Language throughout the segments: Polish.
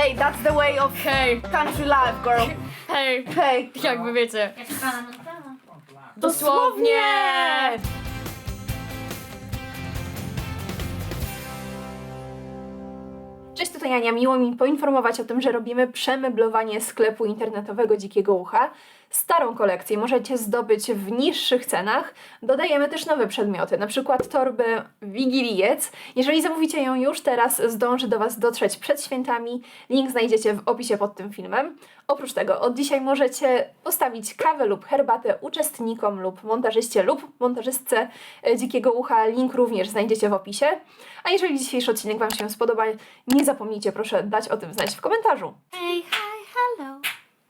Hey, that's the way of country life, girl. Hej, Hey. jakby wiecie. Dosłownie! Cześć, tutaj Ania. Miło mi poinformować o tym, że robimy przemeblowanie sklepu internetowego Dzikiego Ucha. Starą kolekcję możecie zdobyć w niższych cenach. Dodajemy też nowe przedmioty, na przykład torbę Wigiliec. Jeżeli zamówicie ją już teraz, zdąży do Was dotrzeć przed świętami. Link znajdziecie w opisie pod tym filmem. Oprócz tego od dzisiaj możecie postawić kawę lub herbatę uczestnikom lub montażyście lub montażystce Dzikiego Ucha. Link również znajdziecie w opisie. A jeżeli dzisiejszy odcinek Wam się spodoba, nie zapomnijcie proszę dać o tym znać w komentarzu. Hey, hi, hello.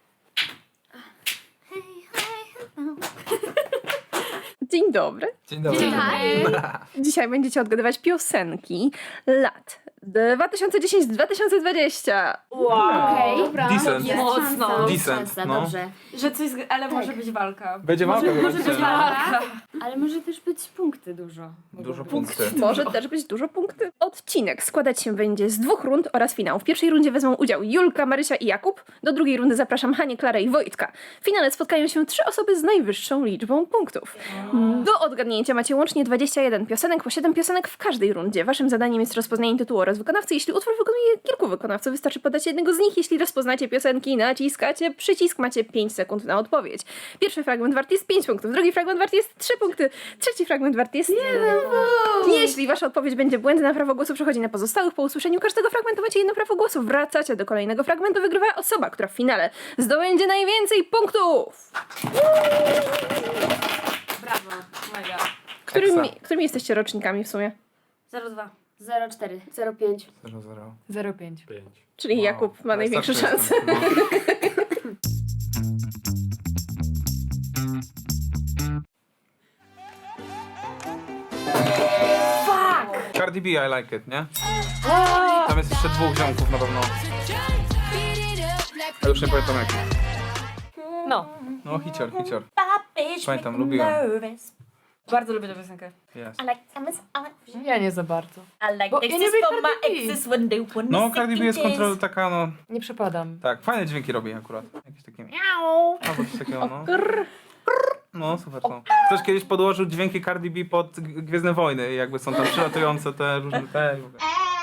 Hey, hi, hello. Dzień dobry. Dzień dobry. Dzień dobry. Dzisiaj będziecie odgadywać piosenki lat 2010-2020. Okej. Dobra. Decent. Jest Mocno. szansa, Decent, szansa, no. dobrze. Że coś, ale może być walka. Będzie walka. Może być walka. Ale może też być punkty dużo. Dużo punktów. Może też być dużo punktów. Odcinek składać się będzie z 2 rund oraz finału. W pierwszej rundzie wezmą udział Julka, Marysia i Jakub. Do drugiej rundy zapraszam Hanię, Klarę i Wojtka. W finale spotkają się 3 osoby z najwyższą liczbą punktów. Do odgadnięcia macie łącznie 21 piosenek, po 7 piosenek w każdej rundzie. Waszym zadaniem jest rozpoznanie tytułu oraz wykonawcy. Jeśli utwór wykonuje kilku wykonawców, wystarczy podać jednego z nich. Jeśli rozpoznacie piosenki, naciskacie przycisk, macie 5 sekund na odpowiedź. Pierwszy fragment wart jest 5 punktów, drugi fragment wart jest 3 punkty, trzeci fragment wart jest 1 punkt. Jeśli wasza odpowiedź będzie błędna, prawo głosu przechodzi na pozostałych. Po usłyszeniu każdego fragmentu macie jedno prawo głosu. Wracacie do kolejnego fragmentu, wygrywa osoba, która w finale zdobędzie najwięcej punktów. Brawo, mega. Którymi jesteście rocznikami w sumie? 02. 04, 05. 0-0. 05. Czyli Wow. Jakub ma największe Najstarszy szanse. jestem, Fuck! Cardi B, I like it, nie? Tam jest jeszcze 2 ziomków na pewno. Ja już nie pamiętam jaki. No. No, hicior. Pamiętam, lubiłem. Bardzo lubię tę piosenkę. Yes. Ja nie za bardzo. I like Bo ja nie lubię for my Cardi B. exes when they want No, Cardi B jest kontrol taka, no... Nie przepadam. Tak, fajne dźwięki robi akurat. Jakieś takie... Albo coś takiego, no. No, super są. Ktoś kiedyś podłożył dźwięki Cardi B pod Gwiezdne Wojny i jakby są tam przylatujące te różne te... i w ogóle.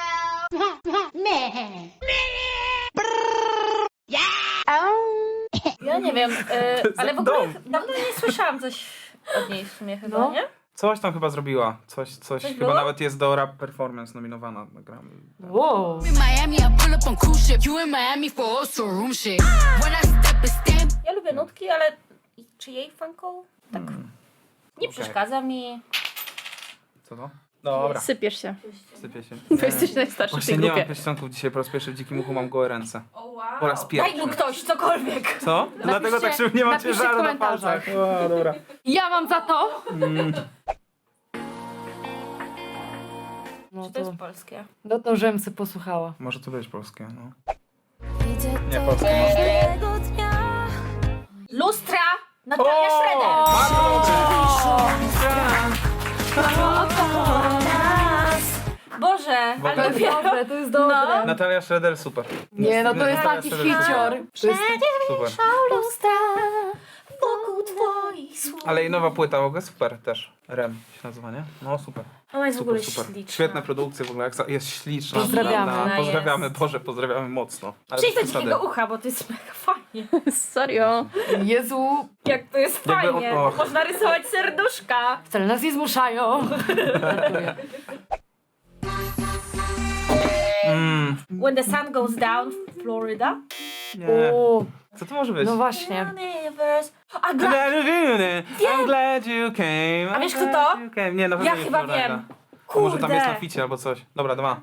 Ja nie wiem, ale w ogóle Dom. dawno nie słyszałam coś od niej w sumie chyba, No. nie? Coś tam chyba zrobiła. Coś chyba było? nawet jest do Rap Performance nominowana. Nagramy. Wow. In Miami, I pull up on cruise ship. You in Miami for also room shit. When I step and stamp. Ja lubię nutki, ale czy jej funką? Tak. Nie Okej. przeszkadza mi. Co to? Dobra, Sypiesz się. sypię się. Bo jesteś najstarszy w Właśnie tej nie mam grupie. pieścionków dzisiaj, po raz pierwszy w Dzikim Uchu mam gołe ręce. Po raz pierwszy. Daj mu ktoś cokolwiek. Co? Dlatego tak szybko nie ma napiszcie ciężaru w na komentarzach. palcach. O, dobra. Ja mam za to! No Czy to jest polskie? no to żebym se posłuchała. Może to być polskie, no. Nie, polskie może. Lustra! Natalia Schroeder! Boże, W ogóle- ale dopiero... Dobre, to jest dobre. Natalia Schroeder, super. Nie, no to jest Natalia taki Schroeder, hicior. To jest Super. Lustra wokół twoich słów. Ale jej nowa płyta w ogóle super też. Rem się nazywa, nie? No super. Ona jest w ogóle Super, super. śliczna. Świetne produkcje w ogóle, jest śliczna. Pozdrawiamy. naprawdę. Pozdrawiamy, Jest. Boże, pozdrawiamy mocno. Ale Przyjdź do bez przesady. Dzikiego Ucha, bo to jest mega fajnie. Serio. Jezu, Jak to jest Jakby fajnie. och. Można rysować serduszka. wcale nas nie zmuszają. Żartuję. When the sun goes down, Florida. Nie. O, Co to może być? no właśnie. Universe. A I'm gra... glad you came. A wiesz, I'm kto glad to? you came. Nie, na pewno Ja nie chyba Florida. wiem. A może tam jest na Kurde. ficie albo coś. Dobra, 2.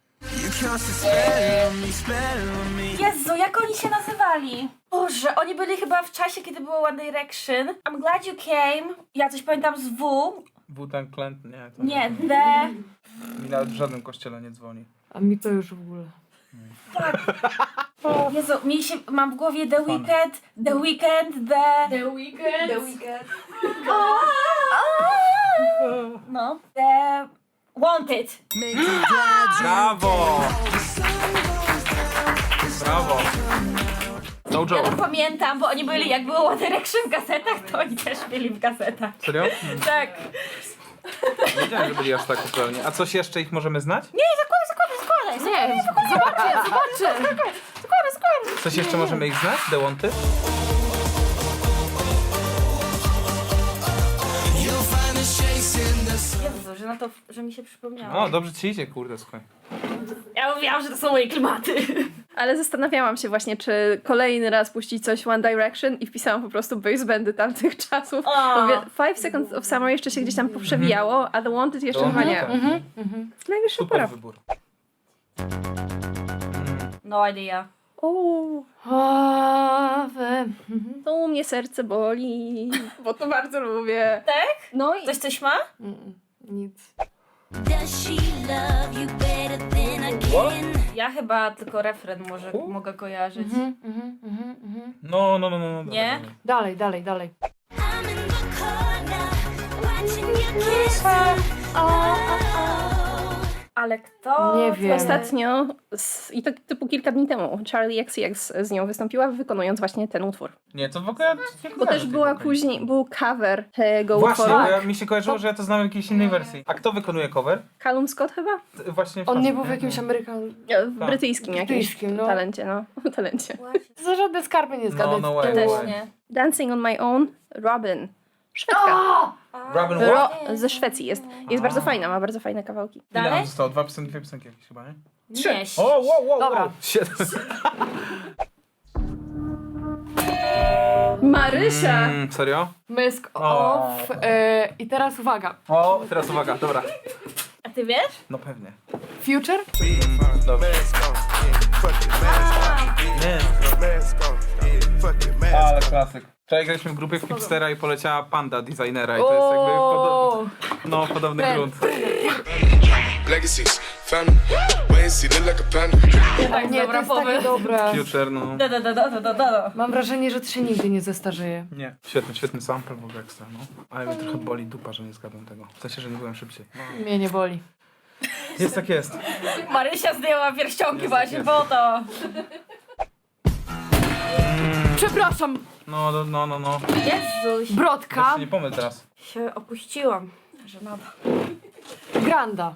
Jezu, jak oni się nazywali? Boże, oni byli chyba w czasie, kiedy było One Direction. I'm glad you came. Ja coś pamiętam z W. Wu-Tang Clan? Nie. To Nie, The... Mi nawet w żadnym kościele nie dzwoni. A mi to już w ogóle. Jezu, mam w głowie The Weeknd, The Weeknd, The Weeknd. No. The Wanted. Brawo! Brawo. No Ja joke. to pamiętam, bo oni byli, jak było One Direction w gazetach, to oni też byli w gazetach. Serio? Tak. Nie wiedziałem, że byli aż tak zupełnie. A coś jeszcze ich możemy znać? Nie, zakładaj. Nie, zobaczę. Coś jeszcze możemy ich znać? The Wanted? Jezu, że na to, że mi się przypomniało. O, dobrze ci idzie, kurde, słuchaj. Ja mówiłam, że to są moje klimaty. Ale zastanawiałam się właśnie, czy kolejny raz puścić coś One Direction i wpisałam po prostu boys bandy tamtych czasów. O. Mówię, 5 Seconds of Summer jeszcze się gdzieś tam poprzewijało, a The Wanted jeszcze To chyba nie. tak. Najwyższa Super pora. wybór. No idea. O, Ave. to u mnie serce boli, bo to bardzo lubię. Tak? No i Coś ma? Nic. Does she love you better than I can? Ja chyba tylko refren mogę kojarzyć. No. Nie? Dalej. I'm in the corner, watching you kiss her. Ale kto? Nie wiem. ostatnio, i to typu kilka dni temu, Charlie XCX z nią wystąpiła, wykonując właśnie ten utwór. Nie, to w ogóle... Bo też była później, był cover tego Właśnie, utworu. bo mi się kojarzyło, że ja to znam w jakiejś innej wersji. A kto wykonuje cover? Callum Scott chyba? Właśnie On nie facet, był w jakimś W brytyjskim jakimś Brytyjskim, no. talencie, no. talencie. Za żadne skarby nie zgadać. No way. Ja też nie. Dancing on my own, Robin. Szwedka. Robin What? Ze Szwecji jest. Jest bardzo fajna, ma bardzo fajne kawałki. Ile Dalej? nam zostało? Dwie piosenki jakieś chyba, nie? Nie. O, wow. Dobra. 7. Marysia! Serio? Mysk O. off. I teraz uwaga. O, teraz uwaga, dobra. A ty wiesz? No pewnie. Future? Dobra. Ale klasyk. Wczoraj graliśmy w grupie w Hipstera i poleciała Panda designera i to jest jakby podobny Trend. grunt. Legacies, family, wait and see, look like a panda. Tak, Nie, to jest takie dobre. Future, no. Mam wrażenie, że to się nigdy nie zestarzeje. Nie. Świetny sample w ogóle ekstra, no. Ale mnie trochę boli dupa, że nie zgadłem tego. W sensie, że nie byłem szybciej. No. Mnie nie boli. Jest tak jest. Marysia zdjęła pierścionki Jest, właśnie jest. po to. Przepraszam, No. Jezuś. Brodka, Weź się nie pomyl teraz. Się opuściłam. Żenada. Granda.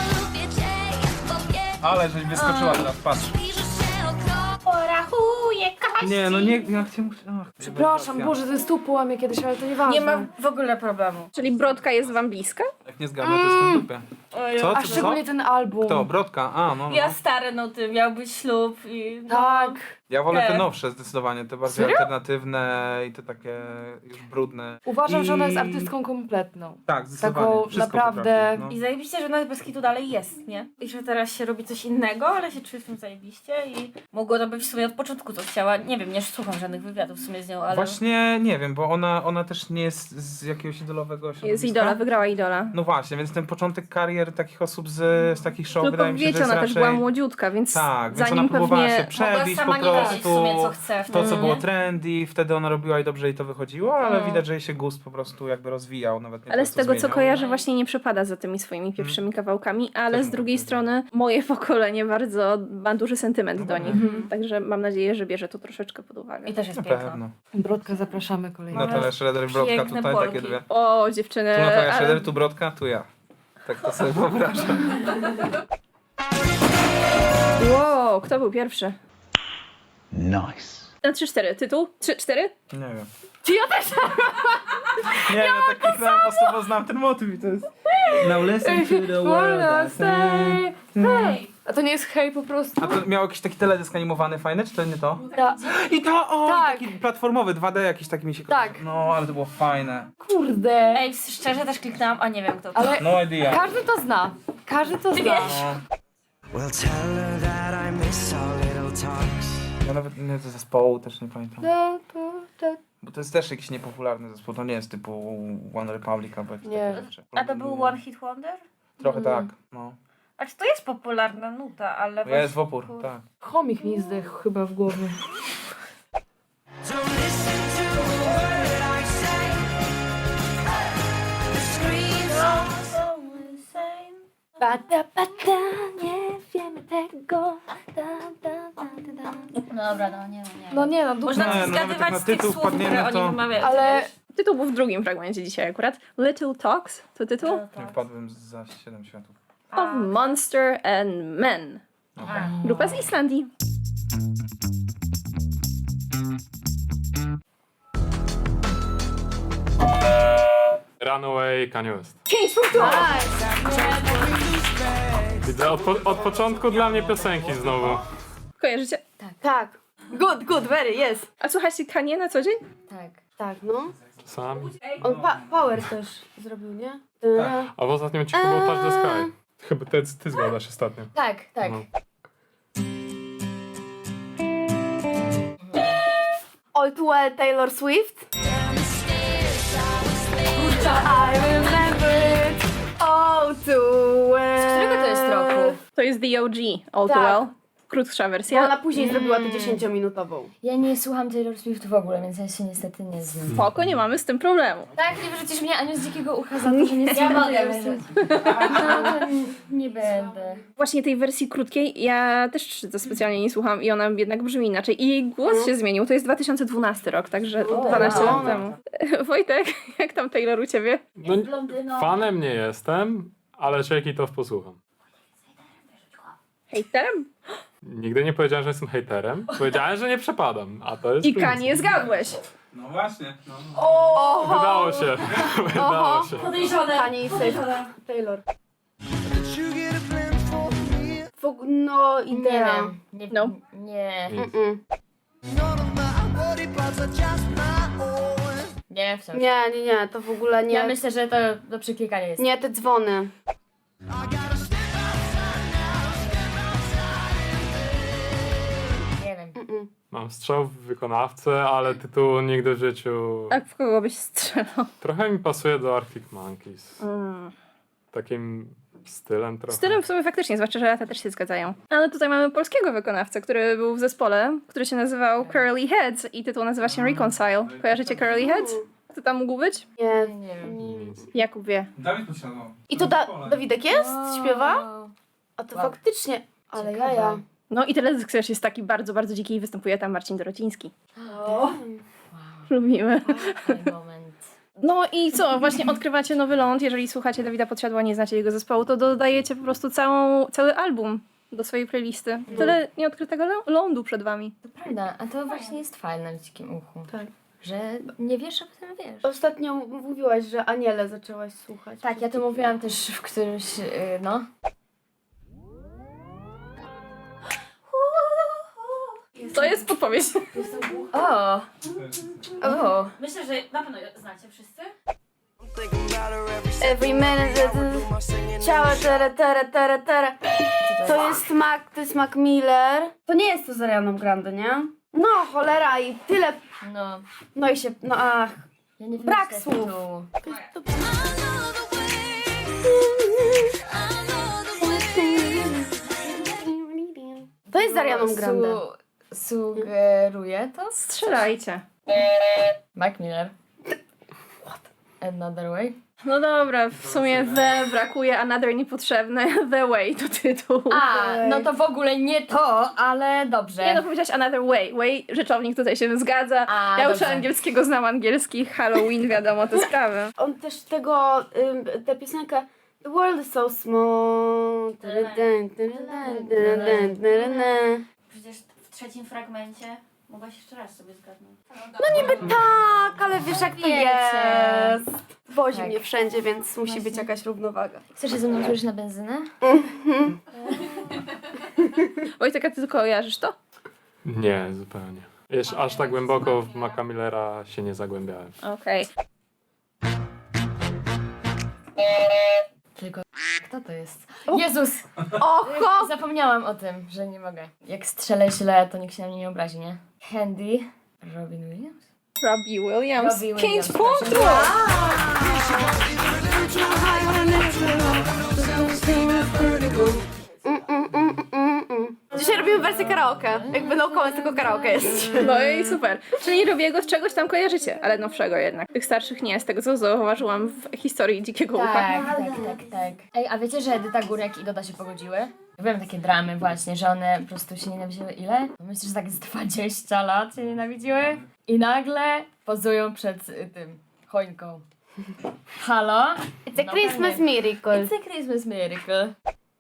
Ale żeś wyskoczyła teraz, patrz. Porachuję Kasi. Nie, no nie, jak cię muszę... Ach, Przepraszam, Boże, ten stół połamie kiedyś, ale to nieważne. Nie ma w ogóle problemu. Czyli Brodka jest wam bliska? Jak nie zgadnę, to jestem w dupie. Co? A Co? szczególnie ten album. Kto? Brodka? A, no. Ja stary, no ty, miał być ślub i... No. Tak. Ja wolę te Nie. nowsze zdecydowanie, te bardziej Serio? alternatywne i te takie już brudne. Uważam, że ona jest I- artystką kompletną. Tak, zdecydowanie. Taką Wszystko naprawdę- potrafi, I no. zajebiście, że nawet bez kitu dalej jest, nie? I że teraz się robi coś innego, ale się czuję w tym zajebiście i mogło to być w sumie od początku co chciała. Nie wiem, nie słucham żadnych wywiadów w sumie z nią, ale... Właśnie nie wiem, bo ona też nie jest z jakiegoś idolowego Jest środowiska. Idola, wygrała Idola. No właśnie, więc ten początek karier takich osób z takich show Tylko wydaje mi się, wiecie, że ona jest też raczej... była młodziutka, więc Tak, więc zanim ona próbowała pewnie... się przebić po Mogła sama nie wiedzieć w prostu sumie, co chce w to, co wtedy, było nie? trendy, wtedy ona robiła i dobrze jej to wychodziło, ale No. widać, że jej się gust po prostu jakby rozwijał, nawet nie Ale to, z tego, co zmieniał. kojarzę, właśnie nie przepada za tymi swoimi pierwszymi kawałkami, ale Też z mogę drugiej powiedzieć. strony moje pokolenie bardzo ma duży sentyment do nich. Mhm. Także mam nadzieję, że bierze to troszeczkę pod uwagę. I też jest Na piękna. pewno. Brodka, zapraszamy kolejny. Natalia Schroeder i Brodka piękne tutaj, Polki. takie dwie. O, dziewczyny. Tu Natalia ale- Schroeder, tu Brodka, tu ja. Tak to sobie wyobrażam. Wow, kto był pierwszy? Nice. Na 3-4. Tytuł? 3-4? Nie wiem. Czy ja też? Nie, ja tak kliknąłem po prostu, bo znam ten motyw i to jest... Now listen to the world I say. Hej! A to nie jest hej po prostu? A to miał jakiś taki teledysk animowany fajny, czy to nie to? Ta. I to, o, Tak. taki platformowy, 2D jakiś taki mi się Tak. kojarzy. No, ale to było fajne. Kurde. Ej, szczerze też kliknęłam, a nie wiem kto to. Ale No idea. każdy to zna. Każdy to zna. No. Well, tell her that I miss our little talks. Ja nawet nie do zespołu też nie pamiętam. To. Bo to jest też jakiś niepopularny zespół, to nie jest typu One Republic albo jakieś Nie. takie rzeczy. A to był One Hit Wonder? Trochę tak, no. A czy to jest popularna nuta, ale... Ja jest w opór, tak. Chomik mi zdechł chyba w głowie. Don't listen to a word I say. The screams Same. Bada, bada, nie wiem. wiemy tego. Dobra, no nie. No nie, no Można Nie, no nawet jak zgadywać na z tych tytuł słów, które wpadniemy, oni to- wymawiają. Ale Tytuł był w drugim fragmencie dzisiaj akurat. Little Talks to tytuł? Nie wpadłem za 7 światów. Of Monster and Men. Grupa z Islandii. Runaway Kanye West. 5 punktów! Widzę od początku dla mnie piosenki znowu. Kojarzycie? Tak, Good, very, yes. A słuchacie Kanye na co dzień? tak, no. Czasami. On Power też zrobił, nie? A w ostatnim odcinku był Touch the Sky. Chyba ty zgadasz ostatnio. Tak. No. All Too Well Taylor Swift. I remember it all too well. Z którego to jest roku? To jest The OG, All Too Tak. Well. Krótsza wersja. Ona później zrobiła tę 10-minutową. Ja nie słucham Taylor Swift w ogóle, więc ja się niestety nie znam. Spoko, nie mamy z tym problemu. Tak, nie wyrzucisz mnie Aniu z dzikiego ucha za to, że nie słucham Taylor Swift. No to nie będę. Właśnie tej wersji krótkiej ja też to specjalnie nie słucham i ona jednak brzmi inaczej. I jej głos się zmienił. To jest 2012 rok, także 12 lat temu. Wojtek, jak tam Taylor u ciebie? No, fanem nie jestem, ale Shake It Off posłucham. Hejterem? Nigdy nie powiedziałem, że jestem hejterem. Powiedziałem, że nie przepadam, a to jest I plus. Kanye zgadłeś. No właśnie. No. Wydało się. Wydało się. Kanye i Taylor. Did you get a plan for me? No, Nie idea. wiem. Nie. No. Nie. None of my body parts are just my own. Nie, wciąż. Nie, to w ogóle nie. Ja myślę, że to do przyklikania jest. Nie, te dzwony. I gotta step outside now, step outside. Nie wiem. Mam strzał w wykonawcę, ale tytułu nigdy w życiu... Tak, w kogo byś strzelał? Trochę mi pasuje do Arctic Monkeys. Takim stylem trochę. Stylem w sumie faktycznie, zwłaszcza, że lata też się zgadzają. Ale tutaj mamy polskiego wykonawcę, który był w zespole, który się nazywał Curly Heads i tytuł nazywa się Reconcile. Kojarzycie Curly Heads? Kto tam mógł być? Nie. Nie wiem. Nic. Jakub wie. Dawid podsiadł. I to Dawidek jest? Śpiewa? A to faktycznie. Ale Ciekawe. jaja. No i teledysk też jest taki bardzo, bardzo dziki i występuje tam Marcin Dorociński. Lubimy. Ten moment. No i co? Właśnie odkrywacie nowy ląd. Jeżeli słuchacie Dawida Podsiadła, nie znacie jego zespołu, to dodajecie po prostu cały album do swojej playlisty. Tyle nieodkrytego lądu przed wami. To prawda, a to właśnie jest fajne w dzikim uchu. Tak. Że nie wiesz, a potem wiesz. Ostatnio mówiłaś, że Aniele zaczęłaś słuchać. Tak, ja to mówiłam też w którymś, no. To jest podpowiedź. O! Myślę, że na pewno znacie wszyscy. Thinking about her every Every minute. my singing. Ciała, tera. To jest Mac Miller. To nie jest to z Arianą Grande, nie? No, cholera i tyle. No. No i się, no ach. Ja nie wiem, Brak jak słów. tytułu. To jest z Arianą Grande. Sugeruje to? Strzelajcie. Mac Miller. Another Way. No dobra, w sumie The brakuje, Another niepotrzebne, The Way to tytuł. A, no to w ogóle nie to, ale dobrze. Nie no, powiedziałaś Another Way. Way, rzeczownik tutaj się zgadza. A, Ja dobrze. uczę angielskiego, znam angielski, Halloween, wiadomo te sprawy. On też tego, tę piosenkę The world is so small. Przecież w trzecim fragmencie mogłaś jeszcze raz sobie zgadnąć. No niby tak, ale wiesz jak to Wiecie. jest. Wozi Tak. mnie wszędzie, więc musi być jakaś równowaga. Chcesz się ze mną złożyć na benzynę? Wojtek, a ty tylko kojarzysz to? Nie, zupełnie. Jeszcze aż tak głęboko w Maca Millera się nie zagłębiałem. Okej. Tylko kto to jest? Jezus! Oho! Zapomniałam o tym, że nie mogę. Jak strzelę źle, to nikt się na mnie nie obrazi, nie? Handy. Robin Williams? Robbie Williams. Robbie 5 Williams, punktów! Dzisiaj robimy wersję karaoke. Jakby no comment, tylko karaoke jest. No i super. Czyli Robiego z czegoś tam kojarzycie, ale nowszego jednak. Tych starszych nie, z tego co zauważyłam w historii Dzikiego Ucha. Tak. Ej, a wiecie, że Edyta Górek i Doda się pogodziły? Byłem takie dramy właśnie, że one po prostu się nienawidziły ile? No myślę, że tak z 20 lat się nienawidziły. I nagle pozują przed tym choinką. Halo? It's a No Christmas pewnie. miracle. It's a Christmas miracle.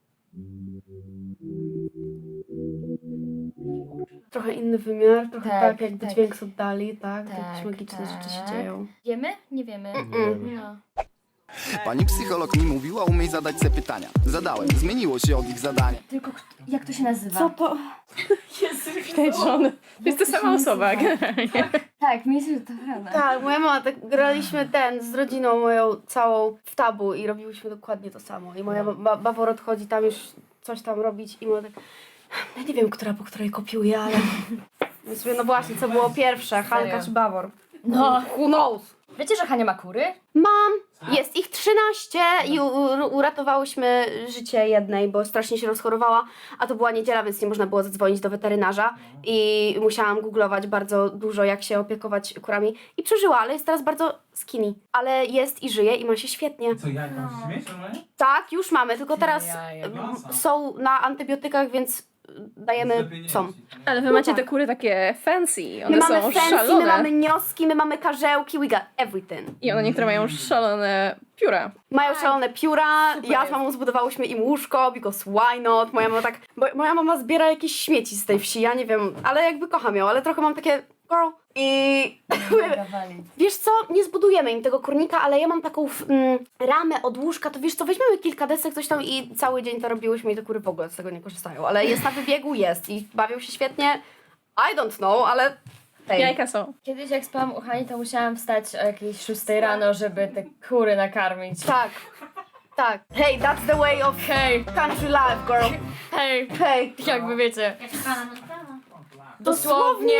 Trochę inny wymiar, trochę tak jakby tak. dźwięk oddali, tak? Tak, Jakieś magiczne rzeczy się tak. dzieją. Wiemy? Nie wiemy. Mm-mm. No. Pani psycholog mi mówiła, umiej zadać se pytania. Zadałem, zmieniło się od ich zadania. Tylko jak to się nazywa? Co to? Żony. To jest ta sama osoba, generalnie. Tak, myślę, że to prawda. Tak, moja mama, tak graliśmy z rodziną moją całą w tabu i robiłyśmy dokładnie to samo. I moja Bawor odchodzi tam już coś tam robić i mówię tak, ja nie wiem, która po której kopiuje, ale... Więc mówię, no właśnie, co było pierwsze, Hanka czy Bawor? No. Who knows? Wiecie, że Hania ma kury? Mam! Jest ich 13 i uratowałyśmy życie jednej, bo strasznie się rozchorowała, a to była niedziela, więc nie można było zadzwonić do weterynarza i musiałam googlować bardzo dużo, jak się opiekować kurami i przeżyła, ale jest teraz bardzo skinny, ale jest i żyje i ma się świetnie. Co, jajka musisz mieć normalnie? Tak, już mamy, tylko teraz Jaja. są na antybiotykach, więc dajemy psom. Ale wy macie te kury takie fancy, My one mamy są fancy, szalone. my mamy nioski, my mamy karzełki, we got everything. I one niektóre mają szalone pióra. Mają szalone pióra, ja z mamą zbudowałyśmy im łóżko, because why not? Moja mama tak, bo moja mama zbiera jakieś śmieci z tej wsi, ja nie wiem, ale jakby kocham ją, ale trochę mam takie girl i wiesz co, nie zbudujemy im tego kurnika, ale ja mam taką ramę od łóżka, to wiesz co, weźmiemy kilka desek, coś tam i cały dzień to robiłyśmy i te kury w ogóle z tego nie korzystają, ale jest na wybiegu, jest i bawią się świetnie, I don't know, ale hej. Jajka są. Kiedyś jak spałam u Hani, to musiałam wstać o jakiejś 6 rano, żeby te kury nakarmić. Tak, tak. Hey, that's the way of country life, girl. Hej, Hej. jakby wiecie. Dosłownie!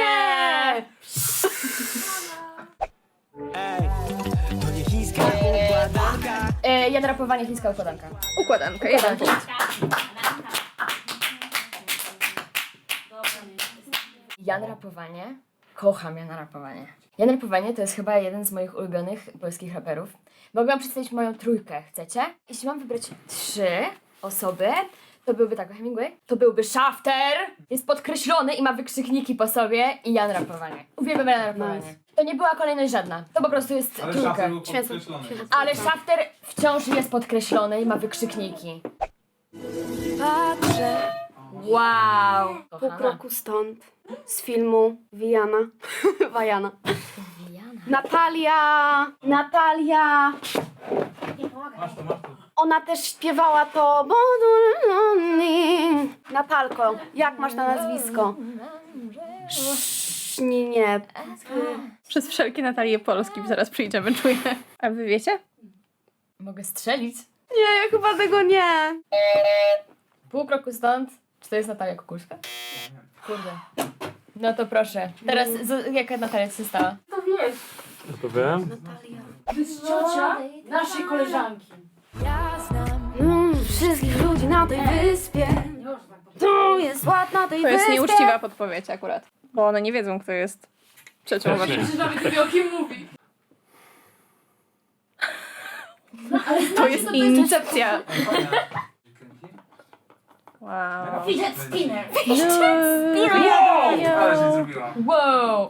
Jadrapowanie, chińska układanka. Układanka, jeden punkt. Janrapowanie. Kocham janrapowanie. Janrapowanie to jest chyba jeden z moich ulubionych polskich raperów. Mogłam przedstawić moją trójkę, chcecie? Jeśli mam wybrać 3 osoby, to byłby tak, Hemingway, to byłby Shafter, jest podkreślony i ma wykrzykniki po sobie i janrapowanie. Uwielbiam janrapowanie. Nice. To nie była kolejność żadna, to po prostu jest Ale trójka. szafy był Świetnie. podkreślony. Ale Shafter wciąż jest podkreślony i ma wykrzykniki. Patrzę Wow! pół Kochana. kroku stąd z filmu Vijana. Vajana. Natalia. Masz to, masz to. Ona też śpiewała to. Natalko, jak masz na nazwisko? Nie. Przez wszelkie Natalie Polski zaraz przyjdziemy, czuję. A wy wiecie? Mogę strzelić? Nie, ja chyba tego nie. Pół kroku stąd. Czy to jest Natalia Kukuszka? Kurde. No to proszę. Teraz jaka Natalia ci się stała? Ja to wiem. Natalia. Naszej koleżanki. Wszystkich ludzi na tej wyspie. To jest ład na tej To jest wyspie. nieuczciwa podpowiedź akurat. Bo one nie wiedzą, kto jest trzecią waszą. Że nawet nie wie, o kim mówi. To jest incepcja. Wow. Fidget spinner. Ale się zrobiła. Wow!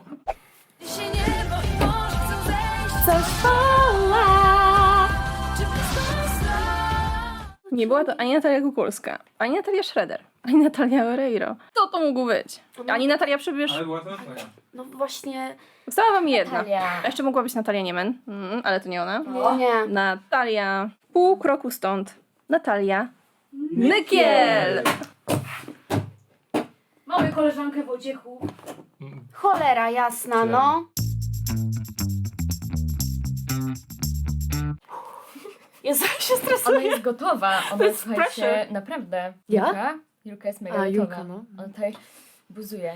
Nie była to ani Natalia Kukulska, ani Natalia Schroeder, ani Natalia Oreiro. Co to mógł być? Ani Natalia Przybysz. Ale była to twoja. No właśnie. Została wam jedna. Natalia. A jeszcze mogła być Natalia Niemen, ale to nie ona. Nie. Natalia. Pół kroku stąd. Natalia Nykiel. Mamy koleżankę Wojciechu. Cholera jasna, no. Jezu, ja się Ona stresuję. jest gotowa. Ona jest, słuchajcie, pressure. naprawdę. Ja? Julka jest mega A, gotowa. Julka, no. Ona tutaj buzuje.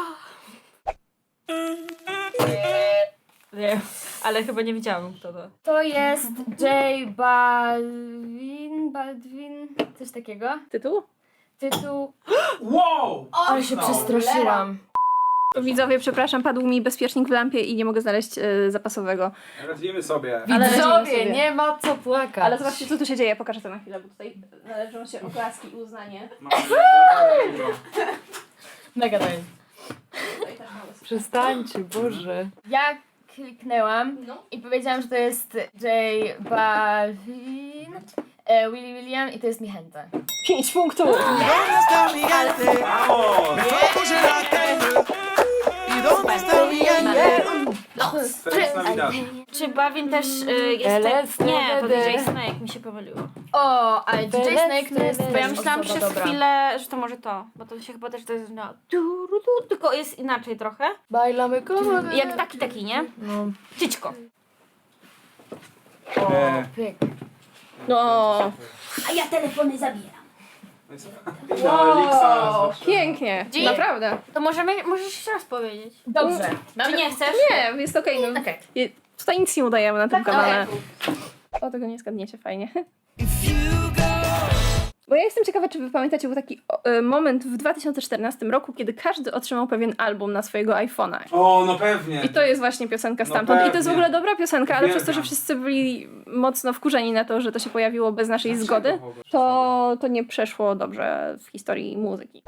Nie, ale chyba nie wiedziałam kto to. To jest J Baldwin, coś takiego. Tytuł? Tytuł. Wow! Ale się przestraszyłam. Widzowie, przepraszam, padł mi bezpiecznik w lampie i nie mogę znaleźć zapasowego. Radzimy sobie. Widzowie, nie ma co płakać. Ale zobaczcie, co tu się dzieje. Pokażę to na chwilę, bo tutaj należą się oklaski i uznanie. Mega daj. Przestańcie, Boże. Ja kliknęłam i powiedziałam, że to jest J Balvin, Willy William i to jest Niechęta. 5 punktów! Feliz Navidad. Czy Bawin też jest... Nie, to DJ Snake, mi się pomyliło. O, ale DJ Snake to jest Bo ja myślałam osoba przez dobra. chwilę, że to może to, bo to się chyba też to jest no, tylko jest inaczej trochę. Bailamy komodę. Jak taki, nie? No. Ciczko. Pyk. No, A ja telefony zabieram. Wow. pięknie, Dzień. naprawdę. To możesz jeszcze raz powiedzieć. Dobrze. Czy nie chcesz? Nie, jest okej. No. Okej. Tutaj nic nie udajemy na tym Tak, kanale. O, tego nie zgadniecie, fajnie. Bo ja jestem ciekawa, czy wy pamiętacie, był taki moment w 2014 roku, kiedy każdy otrzymał pewien album na swojego iPhone'a. O, no pewnie. I to jest właśnie piosenka No stamtąd. I to jest w pewnie. ogóle dobra piosenka, ale przez to, że Uwielbiam. wszyscy byli mocno wkurzeni na to, że to się pojawiło bez naszej Dlaczego zgody, w ogóle? to nie przeszło dobrze w historii muzyki.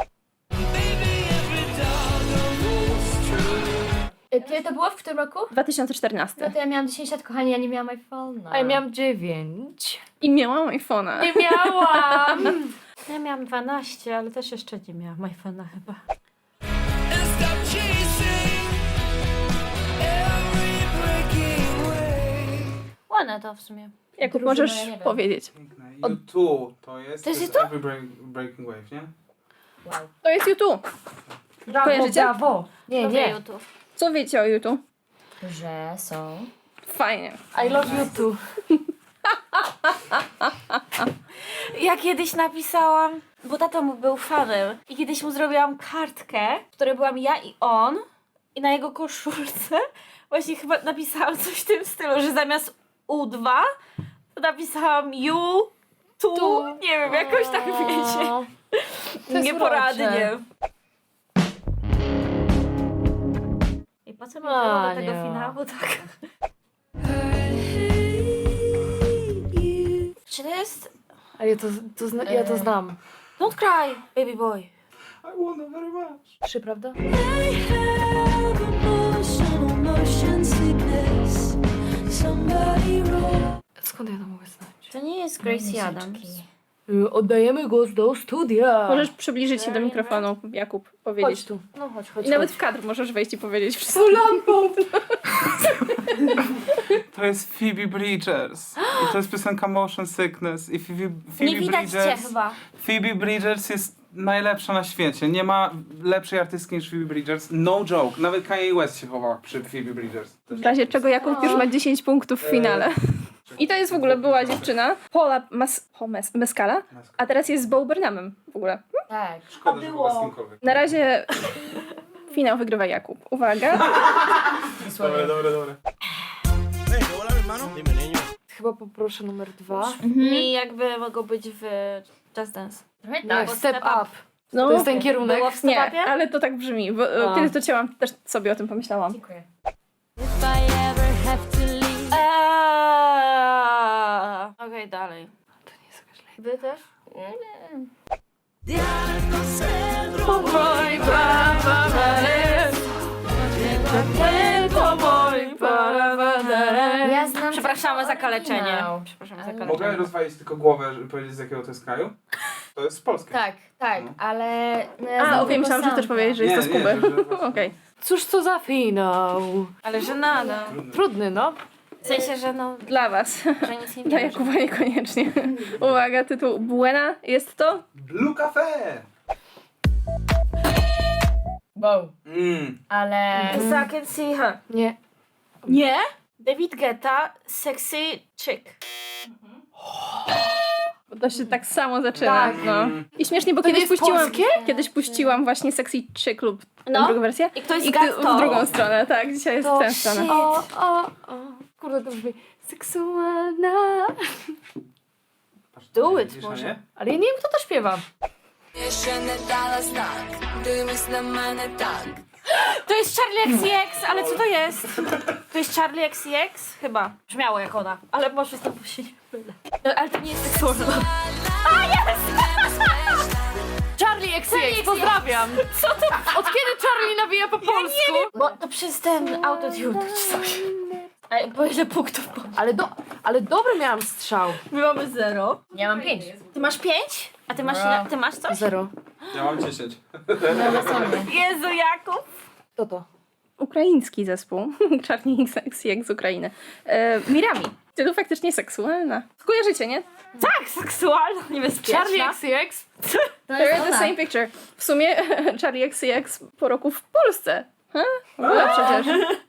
Kiedy to było? W którym roku? 2014. No to ja miałam 10 lat, kochani, ja nie miałam iPhone'a. A ja miałam 9. I miałam iPhone'a. Nie miałam! Ja miałam 12, ale też jeszcze nie miałam iPhone'a chyba. And stop chasing every breaking wave. Ładne to w sumie. Jakub, Drużyna, możesz ja nie wiem. powiedzieć. Piękne. U2 to jest... To jest Every Breaking Wave, nie? Wow. To jest YouTube. Brawo, Kojarzycie? brawo. Nie, Lubię nie. YouTube. Co wiecie o YouTube? Że są... Fajnie. I love you too. Ja kiedyś napisałam, bo tato mu był fanem i kiedyś mu zrobiłam kartkę, w której byłam ja i on i na jego koszulce właśnie chyba napisałam coś w tym stylu, że zamiast U2 to napisałam U, tu, nie wiem, jakoś tak wiecie. To jest Nieporadnie. urocze. I po co mi było do tego Ania. finału tak? Czy to jest... A ja ja to znam. Don't cry, baby boy. I wanna very much. 3, prawda? I have emotional motion sickness. Somebody roll. Skąd ja to mogę znać? To nie jest Gracie Adams. Oddajemy głos do studia. Możesz przybliżyć się do mikrofonu, Jakub, powiedzieć. Chodź tu. No chodź. I nawet w kadr możesz wejść i powiedzieć wszystko. To jest Phoebe Bridgers. I to jest piosenka Motion Sickness. I Phoebe Nie widać cię Bridgers... chyba. Phoebe Bridgers jest najlepsza na świecie. Nie ma lepszej artystki niż Phoebe Bridgers. No joke. Nawet Kanye West się chował przy Phoebe Bridgers. W razie czego Jakub już ma 10 punktów w finale. I to jest w ogóle była dziewczyna, Paula Mescala, a teraz jest z Bo Burnhamem w ogóle. Tak. Szkoda, że była z kimkolwiek. Na razie finał wygrywa Jakub. Uwaga. Dobre. Chyba poproszę numer 2. Mi jakby mogło być w Just Dance. Trochę Nie, tak. step up. No, To jest ten kierunek. Było w nie, stopapie? ale to tak brzmi. Bo, A. kiedy to chciałam, też sobie o tym pomyślałam. Dziękuję. Okej, dalej. To nie jest jakaś Wy też? Ja znam... Przepraszamy za kaleczenie. No. Przepraszamy za Mogę kaleczenie. rozwalić tylko głowę, żeby powiedzieć z jakiego to jest kraju? To jest z Polski. Tak, No. ale... No, ja A, znam okej, tylko myślałam, że sample. też powiedzieć, że jest to z Nie, Kuby. że właśnie- Okej. Cóż to za finał? Ale że nada. Trudny, no. W sensie, że no, Dla was. że nic nie Dla wiem. Jakuba niekoniecznie. Uwaga, tytuł Buena jest to? Blue Cafe! Wow. Ale... So I can see her. Nie. Nie? David Guetta, Sexy Chick. Bo to się tak samo zaczyna. Tak. No. I śmiesznie, bo To nie kiedyś jest puściłam, polskie? kiedyś puściłam właśnie Sexy Chick lub No. drugą wersję. I ktoś I zgadł w to. drugą stronę, tak. Dzisiaj jest To tę stronę. shit. O. Kurde, to brzmi seksualna. Do it, Widzisz, może. nie? Ale ja nie wiem, kto to śpiewa. To jest XCX, ale co to jest? To jest Charlie XCX? Chyba. Brzmiało jak ona, ale może znowu się nie mylę. Ale to nie jest seksualne. A, jest! Charlie XCX, pozdrawiam! Co to? Od kiedy Charlie nawija po polsku? Bo to przez ten autotune czy coś. Bo ile punktów było? Ale dobry miałam strzał. My mamy 0. Ja mam 5. Ty masz 5? A ty masz coś? 0. Ja mam 10. Jezu, Jakub! Kto to? Ukraiński zespół. Charlie XCX z Ukrainy. Mirami. Ty to faktycznie seksualna. Kojarzycie, nie? Tak, seksualna, niebezpieczna. Charlie XCX? They're the same picture. W sumie Charlie XCX po roku w Polsce. No przecież.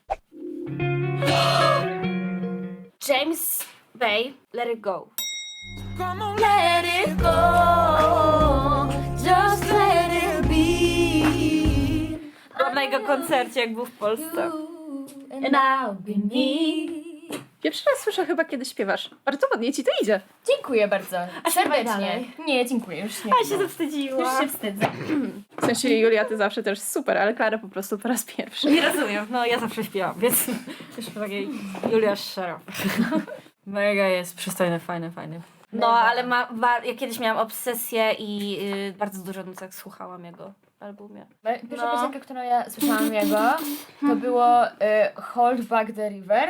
James Bay, Let It Go. Let it go, just let it be. Byłam na jego koncercie, jak był w Polsce. And I'll be me. Pierwszy raz słyszę chyba, kiedy śpiewasz. Bardzo ładnie ci to idzie. Dziękuję bardzo. śpiewaj Serdecznie. dalej. Nie, dziękuję, już nie. A się zawstydziła. Już się wstydzę. W sensie Julia, ty zawsze też super, ale Klara po prostu po raz pierwszy. Nie rozumiem, no ja zawsze śpiewam, więc już takiej Julia Szero. Mega jest przystojny, fajny. No, ale ja kiedyś miałam obsesję i bardzo dużo nucek słuchałam jego albumie. Pierwsza piosenka, którą ja słyszałam jego, to było Hold Back the River.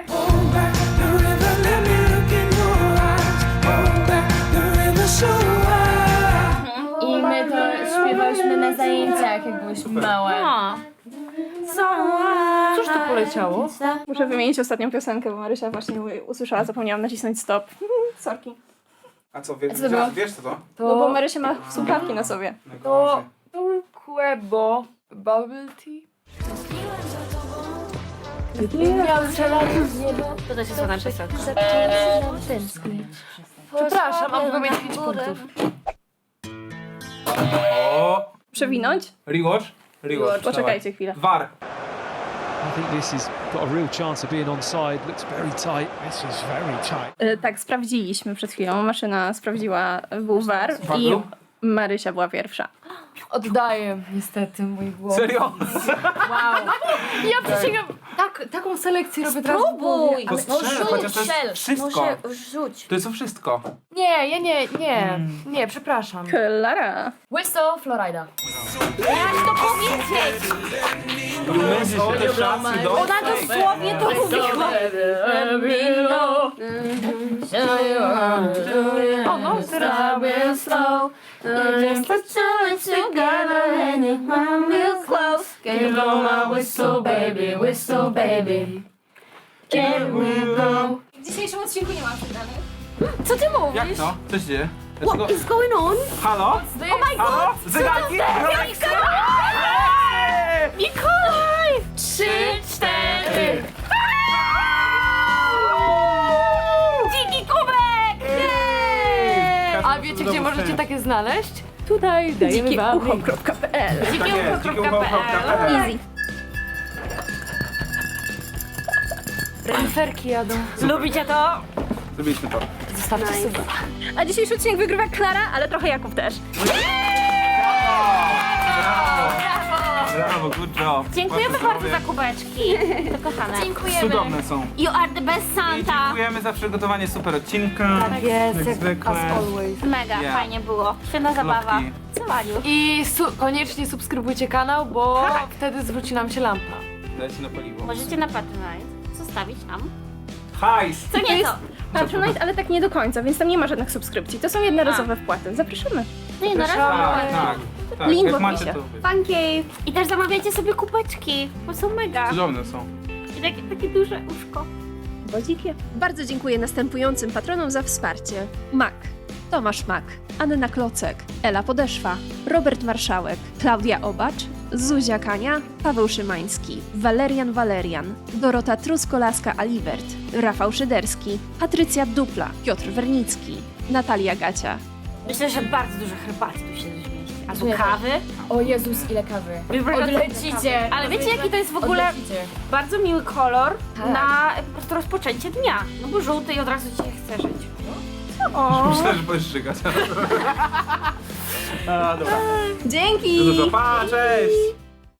I my to śpiewałyśmy na zajęciach, jak byłyśmy małe. No. Cóż to poleciało? Muszę wymienić ostatnią piosenkę, bo Marysia właśnie usłyszała, zapomniałam nacisnąć stop. Sorki. A co, Co było? wiesz co to? No bo Marysia ma słuchawki na sobie. To Quebo Bubble Tea. Miał strzelać z nieba. To też jest ładna piosenka. Przepraszam, mam tylko mieć 5 punktów. O! Przewinąć? Rewatch? Poczekajcie chwilę. VAR. I think this has got a real chance of being onside. Looks very tight. This is very tight. Tak, sprawdziliśmy przed chwilą. Maszyna sprawdziła, był VAR VAR i był? Marysia była pierwsza. Oddaję niestety mój głos. Serio? Ja przysięgam, taką selekcję robię teraz. Spróbuj! To strzel, chociaż to jest wszystko. Może rzuć. To jest to wszystko. Nie, ja nie, przepraszam. Klara. Whistle Florida. Miałaś to powiedzieć! Myślisz, że te szansy do... Ona dosłownie to mówiła. O, no, teraz. W dzisiejszym odcinku nie mam przegranych. Co ty mówisz? Jak to? Co się dzieje? What is going on? Halo? Oh my Halo? god! Zegarki? Mikołaj! 3, 4. Dziki kubek! A wiecie, gdzie możecie takie znaleźć? Tutaj dajemy wam link. Dzikieucho.pl. Dzikiełko.pl. Easy. Reniferki jadą. Lubicie to? Zrobiliśmy to. Zostawcie sobie. A dzisiejszy odcinek wygrywa Klara, ale trochę Jakub też. Brawo, good job. Dziękujemy bardzo za kubeczki. To kochane. Dziękujemy. Cudowne są. You are the best I Santa. dziękujemy za przygotowanie super odcinka. Tak jest, Jak jak zwykle. as always. Mega, Yeah. fajnie było. Świetna zabawa. Klopki. Całaniu. I koniecznie subskrybujcie kanał, bo wtedy zwróci nam się lampa. Dajcie na paliwo. Możecie na Patronite zostawić nam. Hajs! Co nieco. Patronite, ale tak nie do końca, więc tam nie ma żadnych subskrypcji. To są jednorazowe wpłaty. Zapraszamy. No i na razie. Tak. Link w Jak macie opisie. to... Funky. I też zamawiajcie sobie kubeczki, bo są mega. Cudowne są. I takie duże uszko. Bodzikie. Bardzo dziękuję następującym patronom za wsparcie. Mak, Tomasz Mak, Anna Klocek, Ela Podeszwa, Robert Marszałek, Klaudia Obacz, Zuzia Kania, Paweł Szymański, Walerian, Dorota Truskolaska-Alibert, Rafał Szyderski, Patrycja Dupla, Piotr Wernicki, Natalia Gacia. Myślę, że bardzo dużo herbaty tu się zmieści. Albo Czuję. kawy. O Jezus, ile kawy. Odlecicie. Ale wiecie, jaki to jest w ogóle bardzo miły kolor na po prostu rozpoczęcie dnia. No bo żółty i od razu ci się chce żyć. Myślę, że będziesz żygać. A, dobra. Dzięki! Dużo, pa, cześć!